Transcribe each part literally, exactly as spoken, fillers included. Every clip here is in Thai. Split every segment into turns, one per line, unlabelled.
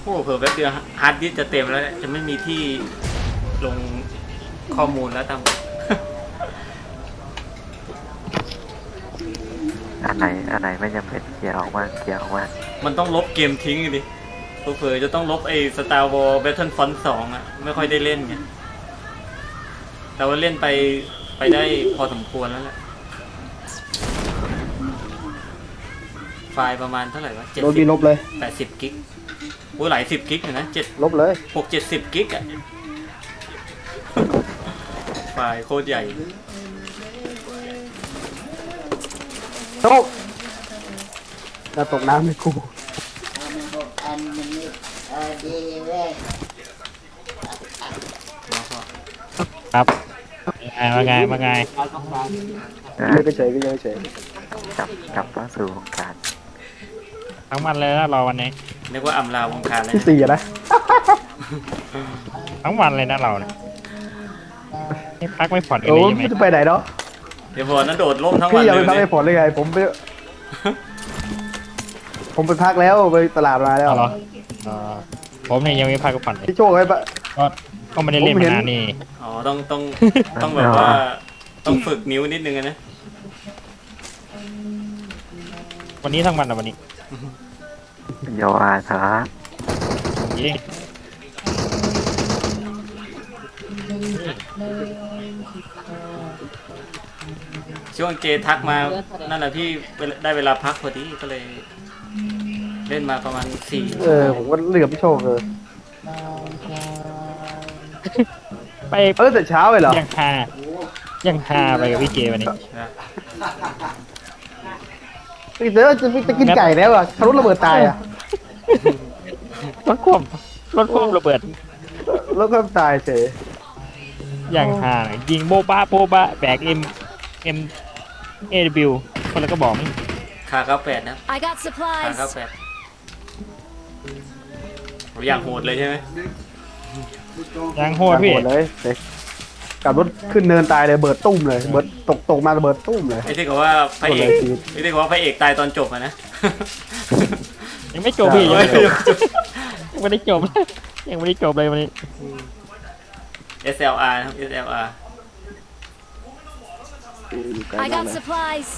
อ้เผื่อแป๊บเดียวฮาร์ดดิสก์จะเต็มแล้วเนี่ยจะไม่มีที่ลงข้อมูลแล้วตั้ม
อันไหนอันไหนไม่จำเป็นเคลียร์ออกมาเคลียร์ออกมา
มันต้องลบเกมทิ้งดิเผื่อจะต้องลบไอ้ Star Wars Battlefront สองอ่ะไม่ค่อยได้เล่นไงแต่ว่าเล่นไปไปได้พอสมควรแล้วแหละไฟล์ประมาณเท่าไหร่วะเจ็ด
โดน
สิ
ดี
บ
ลบเลย
แปดสิบกิกโอ้หลายสิบกิกอยู่นะเจ็ด
ลบเลย
หกเจ็ดสิบกิกอ่ะ ไฟล์โคตรใหญ่
โชคจะตกน้ำไม่กู
อันนี้เออดีเลย
ครับว่าไงว่าไง
ไม่ก็เฉยก็ยังเฉย
กลับกลับเข้าสู่วงการ
ทั้งวันเลยนะรอวันนี้
นึกว่าอำลาวงการเลย
ที่
นะ
สี่อะนะ
ทั้งวันเลยนะเราเนี่ยนี่พักไม่ผ่อนกัน
โอ้
เลยใช่ไหม
ไม่จะไปไหนเนาะ
เดี๋ยวพอนั้นโดดร่มทั้งวั
พี่
น
อย่า
เล
ไป
ย
พัก
เนี่
ให้
ย
ผลเลยไงผมไปผมไปพักแล้วไปตลาดมาแล้ว
เอาเหรอเออผมเนี่ยยังไม่พักก็ผ่อนเลย
พี่โชคไว้ปะ
ก็ก็ไม่ได้เล่น
ผมเห็
มาน นานนี่
อ๋อต้องต้องต้องแบบว่าต้องฝึกนิ้วนิดนึงอะนะ
วันนี้ทั้งวันอ่ะวันนี้
โยอาสา
ยิง
ช่วงเจทักมานั่นแหละพี่ได้เวลาพักพอดีก็เลย เล่นมาประมาณสี่
เออผมก็เลือกพี่โชคเลย
ไป
เออแต่เช้าเลยเหรอ
ยังฮายังฮาไปกับพี่เจวันนี้
นะ
พี่เต๋อจะจะกินไก่แล้วอ่ะทะลุระเบิดตายอ่ะ
รถควบรถควบระเบิด
แล้วก็ตายเฉย
ยังฮายิงโบบ้าโบบ้าแบกเอ็มเอ็มเอวิวคนละก็บอกไม่
คาเก้าแปดนะ
I got
คา
supplies.
เก้าแปดอยากโหดเลยใช่ไหม
ยังโหดพี่
หมดเลยเด็กกลับรถขึ้นเนินตายเลยเบิดตุ้มเลยเบิดตกตกมาระเบิดตุ้มเลย
ไอ้ที่เขาว่าพระเอก
โหดเลยชีวิต
ไอ้ที่เขาว่าพระเอกตายตอนจบอะนะ
ยังไม่จบพี่ยังไม่จบยังไม่ได้จบยังไม่ได้จบเลยวันนี้
เอส แอล อาร์ นะครับ เอส แอล อาร์
อยู่ไกล
I
มาก
got
เลย
supplies.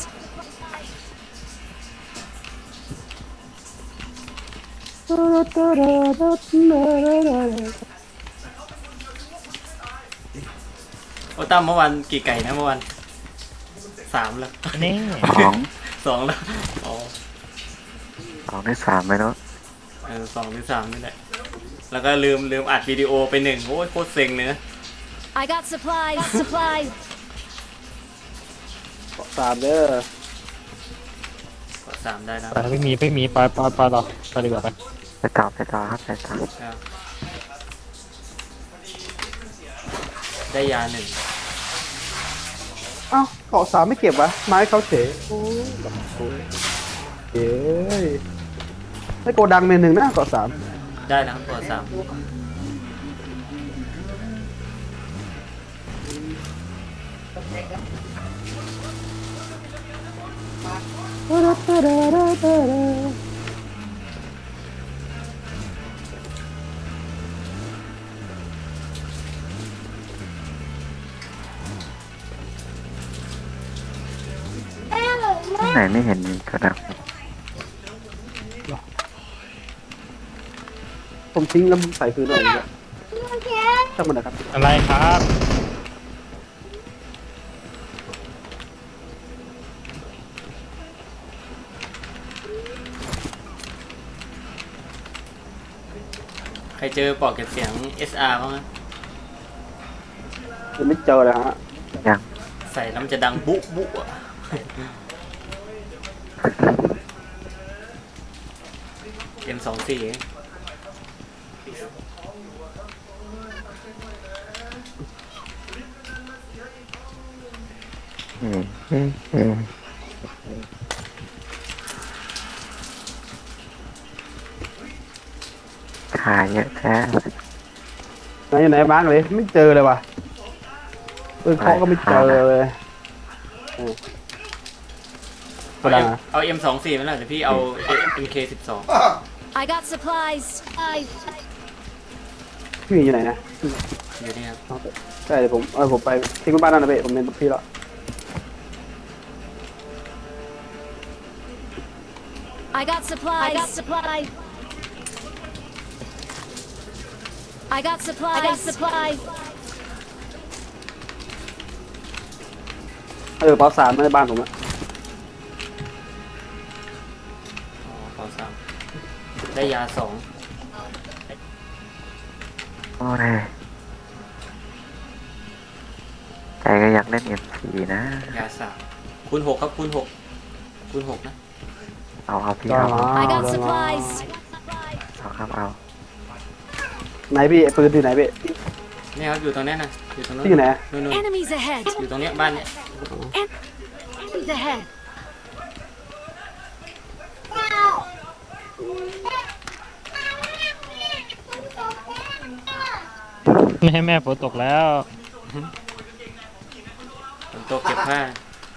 โอ้ตั้มเมื่อวานกี่ไก่นะเมื่อวานสามแล้ว
นี่
สอง
สองแล้วอ๋อ
สองได้สามไหมเนาะ
เออสองหรือสามนี่แหละแล้วก็ลืมลืมอัดวิดีโอไปหนึ่งโอ้ยโคตรเซ็งเลยนะ
I got supplies. Got supplies.
สามเด้อ
กดสามได้นะ
ไปไม่มีไม่มีไปไปไปต่อไปดีกว่าไป
ไปต่อไปต่อครับไปต่อ
ครับได้ยาหนึ่ง
เอ้าเกาะสามไม่เก็บวะไม้เขาเฉยโอ้ยแบบโอ้ยเย้ยไม่โกดังเมนหนึ่งนะเกาะสาม
ได้นะครับกดสาม
ที่ไหนไม่เห็นมีกระดัง
ผมทิ้งแล้วใส่คืนเอาเองช่างมันนะครับ
อะไรครับ
ใครเจอปลอกเก็บเสียง เอส อาร์ บ้างนะ
ยังไม่เจอเลยฮะ
ยัง
ใส่แล้วมันจะดังบุ๊บุ๊อะเอ็มสองสี่
เอ๊ะเอ๊ะเอ๊ะขายเยอะแท้
ไหนไหนมาร์กเลยไม่เจอเลยว่ะเออเคาะก็ไม่เจอเลยเออ
เอา M เอา เอ็มสองสี่ไหมล่ะเดี๋ยวพี่เอา เอ็ม เค สิบสอง
I got supplies. I
พี่หมีอยู่ไหนนะ
อยู่นี่ครับ
เอาไปใช่เดี๋ยวผมเออผมไปทิ้งไว้บ้านนั่นนะเบ้ผมเป็นพี่แล้ว
I got supplies. I got supplies. I got supplies. I got supplies.
เออเปาสามในบ้านผมอะ
อ๋อขอสามได้ยาสอง
โอ้ยใจก็อยากเล่นเอ็มซีนะ
ยาสามคูณหกครับคูณหกคูณหกนะ
เอาเอาพี่
ก็
เอา
มา
I got
เอา
supplies.
เอาครับเอา
ไหนพี่ไอ้ปืนอยู่ไหนพี่
นี่ครับอยู่ตรงนี้นะอยู่ตรงนู้น
พี่อยู่ไหน
นู่นนู่น
Enemies ahead.
อยู่ตรงเนี้ยบ้านเนี้ย
Enemies ahead.
แม่แม่ฝนตกแล้ว
ฝนตกเก็บผ้า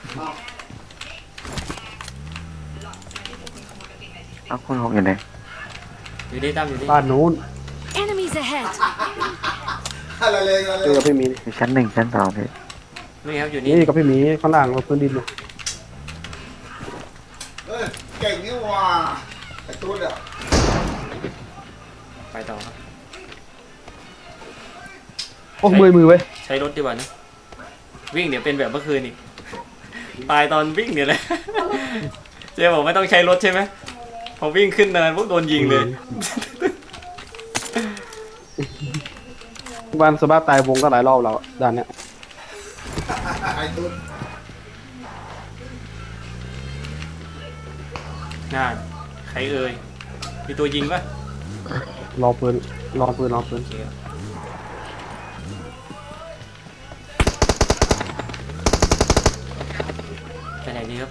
เอาคุณหกอยู่ไหน
อยู่นี่ตั้มอยู่นี่
บ้านนู้น
Enemies ahead.
เจอกับพี่หมี
อยู่ชั้นหนึ่งชั้นสองพี่
นี่ครับอยู่นี่
นี่กับพี่หมีข้างล่างบนพื้นดินเลย
เออเก่งนี่หว่าไอ้ตุ้นอ่ะ
ไปต่อครับ
โอ้มือมือเว้ย
ใช้รถดีกว่านะวิ่งเดี๋ยวเป็นแบบเมื่อคืนอีกตายตอนวิ่งเนี่ยแหละ เจ๊บอกไม่ต้องใช้รถใช่ไหมพอวิ่งขึ้นเนินพวกโดนยิงเลย
บ้านสบ้าตายวงก็หลายรอบแล้วด้านเนี้ย
ไอ้ตุ้น
น่าใครเอ่ยมีตัวยิงปะ
รอปืนรอปืนรอปืน
โอเคครับไปไหนดีครับ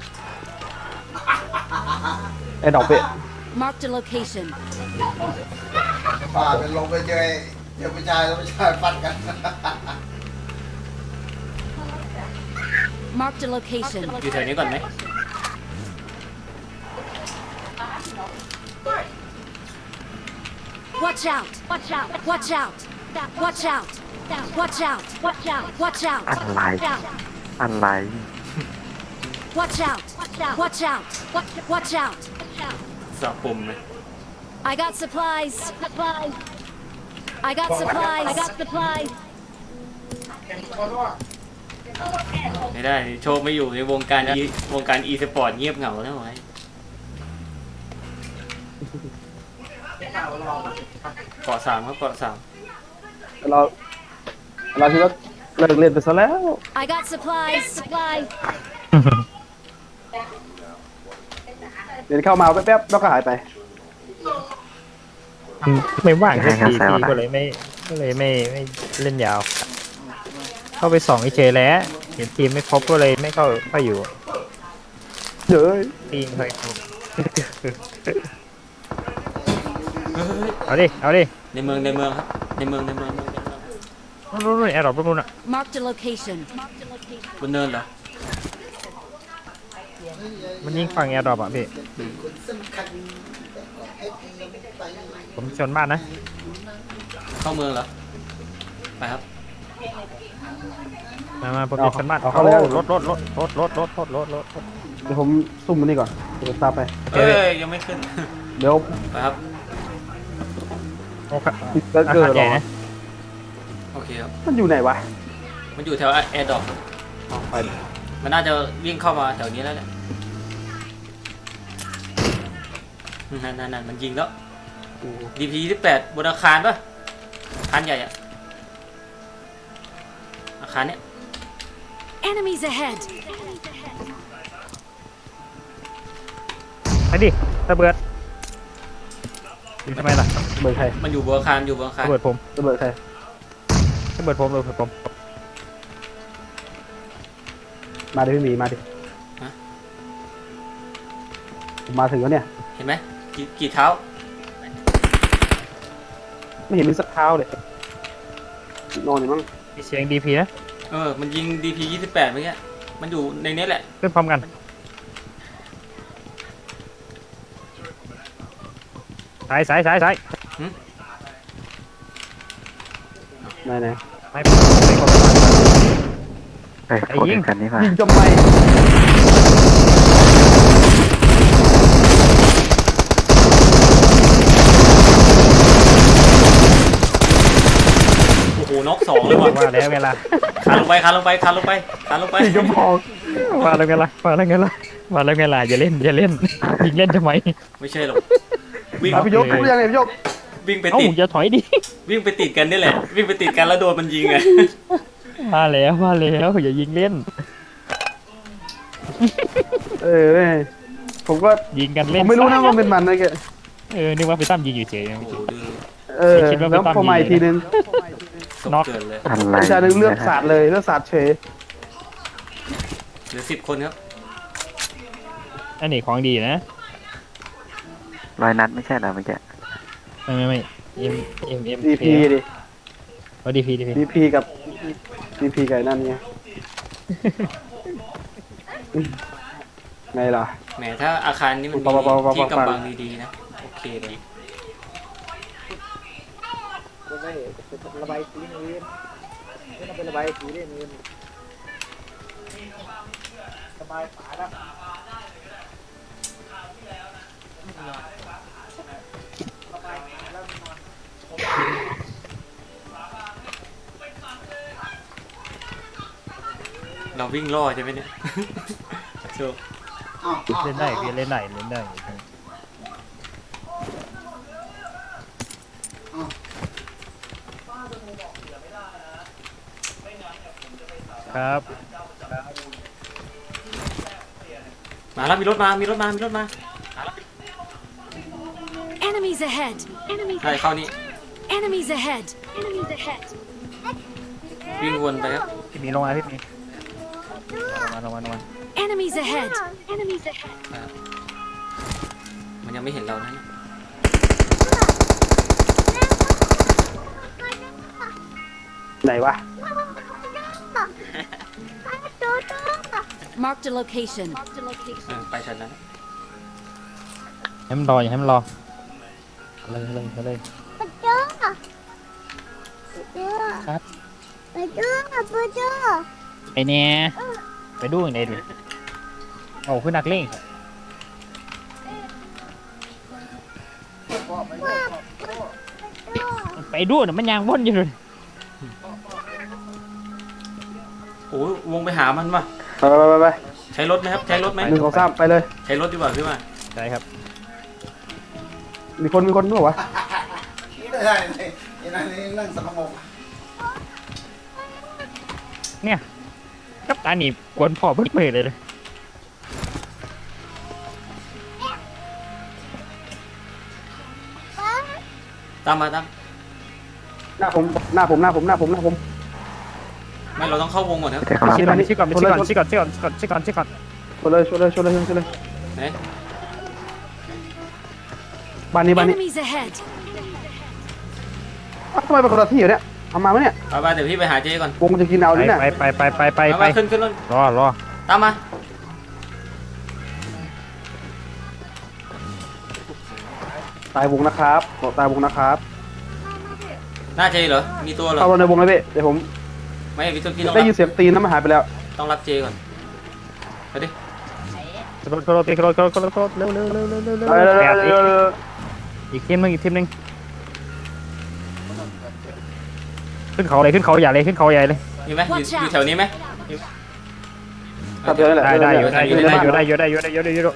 ไอ้ดอกเปะ
Marked a location.
ป่าเป็นลงไปเจอไอ้เดี๋ยวผู้ชายแล้วผู้ชายฟัดกัน
Marked a location.
อยู่แถวนี้ก่อนไหม
Watch out. Watch out. Watch out. Watch out. Watch out. Watch out. Watch out.
อะไร
Watch out.
อะไร
Watch out. Watch out. Watch out.
สับปุ่มเลย
I got supplies. Supplies. I got supplies. I got supplies.
ไม่ได้โชคไม่อยู่ในวงการ e วงการ e สปอร์ตเงียบเหงาแล้วไว้เกาะสามครับเกาะสาม
เราเราคิดว่าเลิกเล่นไปซะแล้ว
I got supplies. Supplies.
เดี๋ยวเข้ามาแป๊บๆแล้วก็หายไป
ไม่ว่างแค่ทีทีก็เลยไม่ก็เลยไม่ไม่เล่นยาว เข้าไปสองเฉยๆแล้วเห็นทีมไม่ครบก็เลยไม่เข้าเข้าอยู่
เฮ้ย
ทีมเคยครบ
เฮ้ย
เอาดิเอาดิ
ในเมืองในเมืองครับในเมืองในเมืองในเมือง
นู่นนู่นแอร์ดรอปนู่นน่ะ
Marked a location.
บนเนินเหรอ
มันยิงฝั่งแอร์ดรอปอ่ะพี่
สำคัญไอ้ยังไม่ไป
ผมชนบ้านนะ
เข้าเมืองเหรอไปครับ
มามาผมจะชนบ้าน
เอาเข้าเลย
โอ้รถรถรถรถรถรถรถรถรถรถ
เดี๋ยวผมซุ่มมันนี่ก่อนเดี๋ยวผมตามไป
เอ้ยยังไม่ขึ้น
เดี๋ยว
ไปครับ
โอ้ครับ
เกิด
อา
เกิด
คาร
ห
ให
ร
ญ่
อ
นะ
โอเคครับ
มันอยู่ไหนวะ
มันอยู่แถวแอร์ดรอป
อ๋อไปดิ
มันน่าจะวิ่งเข้ามาแถวนี้แล้วแหละนั่นนั่นนั่นมันยิงแล้ว
อืม
ดีพีที่แปดบนอาคารปะอาคารใหญ่อะอาคารเนี้ย
Enemies ahead.
ไปดิระเบิดยิงทำไมล่ะ
เบิดใคร
มันอยู่บนอาคารอยู่บนอาคาร
ระเบิดผม
ระเบิดใคร
ระเบิดผมระเบิดผม
มาดิพี่หมีมาดิผมมาถึงแล้วเนี่ย
เห็นไหมกี่กี่เท้า
ไม่เห็นมีสักเท้าเลยนอนอยู่มั้ง
มีเสียงดีพีนะ
เออมันยิงดีพียี่สิบแปดเมื่อกี้มันอยู่ในนี้แหละ
ขึ้นพร้อมกันซ้ายซ้ายซ้ายซ้าย
ไหนไหน
ไม่ไม่กด
เฮ้ยกดอีกคันนี้มา
ยิงจมไม่
โอ้โหน็อกสองเลยว่ะ
ว่าแล้วไงล่ะ
คานลงไปคานลงไปคานลงไปคานลงไป
ยิงจมพอง
ว่าแล้วไงล่ะว่าแล้วไงล่ะว่าแล้วไงล่ะอย่าเล่นอย่าเล่นยิงเล่นทำไม
ไม่ใช่หรอกวิ่ง
เอาพี่ยกรู้ยังไงพี่ยก
วิ่งไป
เอ้า
ติด
อย่าถอยดิ
วิ่งไปติดกันนี่แหละ วิ่งไปติดกันแล้วโดนมันยิงไง
มาแล้วมาแล้วอย่ายิงเล่น
เออเว้ยผมก็
ยิงกัน
ผ
เล่น
มไม่รู้นะว่าเป็นมันนะแก
เออนึกว่าไปตั้มยิงอยู่เฉย
โอ้โหดื้อ
เออ
คิดว่าเป็น
แล้ว
ตั้ม
พอมา
ยิง
อีกทีนึง
ตก
น็อก
เกินเลย
อะไร
วิชาหนึ่งเลือกศาสตร์เลยเลือกศาสตร์เฉย
เหลือสิบคนครับ
อันนี้ของดีนะ
ร้อยนัดไม่ใช่เหรอเมื่อกี้
ไม่ไม่ไม่เอ็มเอ็มเอ็ม
ดีพีดิ
ว่าดีพีดีพี
ดีพีกับดีพีไก่นั่นไงไงล่ะ
แหมถ้าอาคารนี้มันมี
เบาๆเบาๆเบาๆ
ที่กำบังดีๆนะ โอเคเลย
ระบายสีเงินไม่ต้องเป็นระบายสีเงินสบายฝาแล้ว
เราวิ่งล่อใช่ไหมเนี่ย โชว์
อ้าวอ้าว
เล่นได้พี่เล่นได้เล่นได้ครับ
มาแล้วมีรถมา มีรถมา มีรถมา
Enemies ahead. Enemies
ใช่เข้านี่
Enemies ahead. Enemies ahead.
วิ่งวนไปครับ
พี่มีลงมาพี่มีลงมาลงมาลงมา
Enemies ahead. Enemies ahead.
มันยังไม่เห็นเรานะเนี่ย
ไหนวะ
Marked a location. Marked a
เอ
location.
อไปทันนั้น
ให้มันรออย่าให้มันรอเลยเลยเลยครับไปเนี่ยไปดูอย่างไรดิโอ้คือนักเล่งไปดูน่ะมันยางว่นอยู่เลย
โอ้ยวงไปหามันว่ะ
ไปไปไปไป
ใช้รถไหมครับ ใช้รถไหม
หนึ่งสองสามไปเลย
ใช้รถดีกว่าขึ้นมา
ใช่ครับ
มีคนมีคนด้วยวะ
ไม่ได้เลยไอ้นั่นนี่นั่งสมอง
เนี่ยกับตาหนีกวนพ่อเพิ่งเปิดเลยเลย
ตามมาตาม
หน้าผมหน้าผมหน้าผมหน้าผมหน้าผม
ไม่เราต้องเข้าวงก่อนครับ
ใช่ครับ
ชิก่อนชิก่อนชิก่อนชิก่อนชิก่อนชิก่อนชิก่อน
ชนเลยชนเลยชนเลยชนเลย
ไหน
บ้านนี้บ้านนี้
Enemies ahead.
อ้าวทำไมเป็นคนละที่อยู่เนี่ยเอามาไหมเนี่ย
ไปไปเดี๋ยวพี่ไปหาเจ๊ก่อน
วงจะกินเอา
ไป
ดิเนี่ย
ไปไปไปไปไป
มา
ไป
มาขึ้นขึ้นรถ
รอรอ
ตามมา
ตายวงนะครับบอกตายวงนะครับ
หน้าเจ๊เหรอ มีตัวเหรอ
เข้าในวงเลยพี่เดี๋ยวผม
ไม่พี่ต้องพี่ต้อง
ได้
รับ
ยินเสียงตีนนะมันหายไปแล้ว
ต้องรับเจ๊ก่อน ไปดิ
รถรถรถรถรถรถเร็วเร็วเร็วเร็วเร็วเร็ว
ไปเลย
แบบ
เลย
อีก
เลย
อีกทีมหนึงอีกทีมหนึงขึ้นเขาเลยขึ้นเขาใหญ่เลยขึ้นเขาใหญ่เลย
มีไหมอยู่อยู่แถวนี้ไหม
ครับเดี๋ยวนี่แหละ
ได้ได้อยู่ได้อยู่ได้อยู่
ได้
ได้อยู่ได้อยู่ได้อยู่ได้อยู่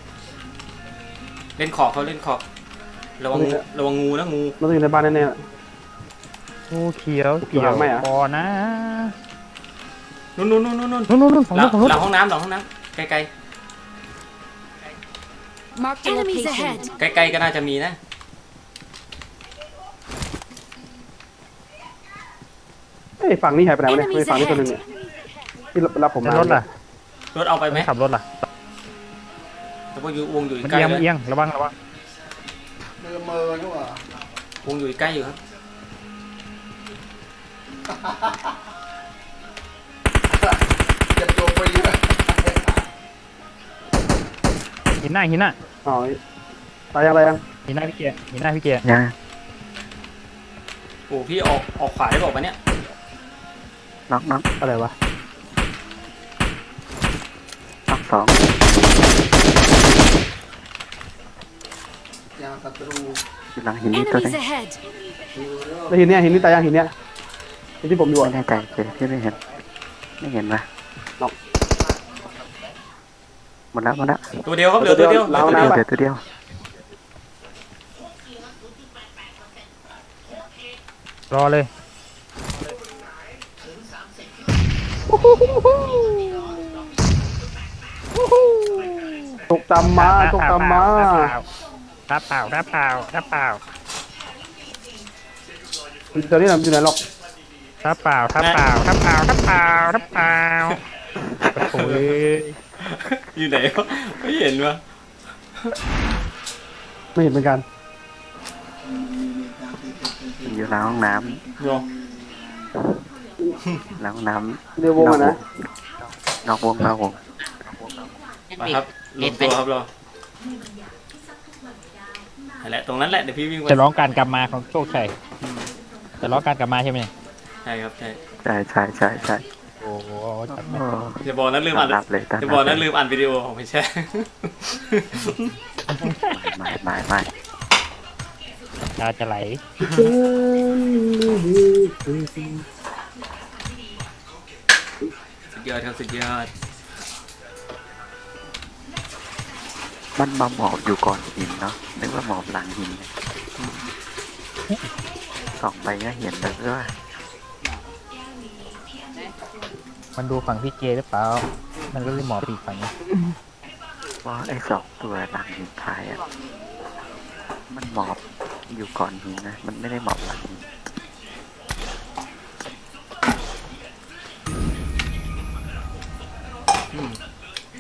เล่นขอบเขาเล่นขอบ ระวังงูระวังงูนะงู
มันต้องอยู่ในบ้านแน่
งูเขียว
อยู่
เกี่ยว
หลังไหมอะ
คอนะ
นู่นนู่นนู่นนู่นนู่น
นู่นนู่นนู่นฝั่ง
หลั
นู้
ง
นฝั่งนู้น
หลังห้องน้ำหลังห้องน้ำไกล
Marked a Enemies ahead.
ๆไกลๆก็น่าจะมีนะ
ๆเอ้ยฝั่งนี้หายไปไหนวะเนี่ยไม่ฝั่งนี้ตัวหนึงเนี่ยที่รับผม
แต่
มาร
ถล่ะ
รถเอาไปไหม
ขับรถล่ะ
แต่ว่าอยู่วงอยู่
มัน
ใกล้
เอียง
เล
มัน
ย
เอียงระวังระวัง
มือมือนี่หว่าว
งอยู่ใกล้อยู่ครับ
เจ็บตัวไปเยอะ
หินหน้าหินหน้า
อ๋อตายยังตายยัง
หมีหน้าพี่เกียร์มีหน้าพี่เกียร์
ยัง
โอ้พี่ออกออกขวาได้บอกปะเนี่ย
น็อกน็อก
อะไรวะ
น็อกสอง
ยางศัตรู
อยู่หลังหินนี่ตัวนึง
Enemies ahead!
แล้วหินเนี้ยหินนี่ตายยังหินเนี้ยหินที่ผมอยู่
ไม่
อะ
แน่ใจเจพี่ไม่เห็น ไม่เห็นปะ
น็อก
หมดแล้วหมดแล้ว
ตัวเดียวครับเหลือตัวเดียวเหลือตัว
เดี
เดี
ย
ยว ว
เดียวตัวเดียว
รอเลย
ตกตามมาตกตามมา
รับเปล่ารับเปล่ารับเปล่า
ตอนนี้เราอยู่ไหนหรอก
รับเปล่ารับเปล่ารับเปล่ารับเปล่ารับเปล่าโอ้ย
อยู่ไหนวะไม่เห็นวะ
ไม่เห็นเหมือนกัน
อยู่หลังห้องน้
โย
ำหลังห้องน้ำ
เดี๋ยววงอะนะ
นอกวงนอกวง
มาครับลงตัวครับรอนั่นแหละตรงนั้นแหละเดี๋ยวพี่วิ่งไป
จะร้องการกลับมาของโชคชัยจะร้องการกลับมาใช่ไหม
ใช่ครับใช่
ใช่ใช่ใช่ใช่
โอ้โหจัดไป
โอ้
อย่าบอกนะลืมอ่าน
ต้อนรับเลยต้อนรับ
อย่าบอกนะลืมอ่านวิดีโอของไม่ใช่
ไม่ไม่ไม่
ตาจะไหล
สุดยอดครับสุดยอด
มันมาหมอบอยู่ก่อนหินเนาะนึกว่าหมอบหลังหินส่องไปก็เห็นแล้วว่า
มันดูฝั่งพี่เจหรือเปล่ามันก็เลยหมอบอีกฝั่งนี้
ว่าไอ้สองตัวหลังหินพายอ่ะมันหมอบอยู่ก่อนหินนะมันไม่ได้หมอบหลังหิน
อืม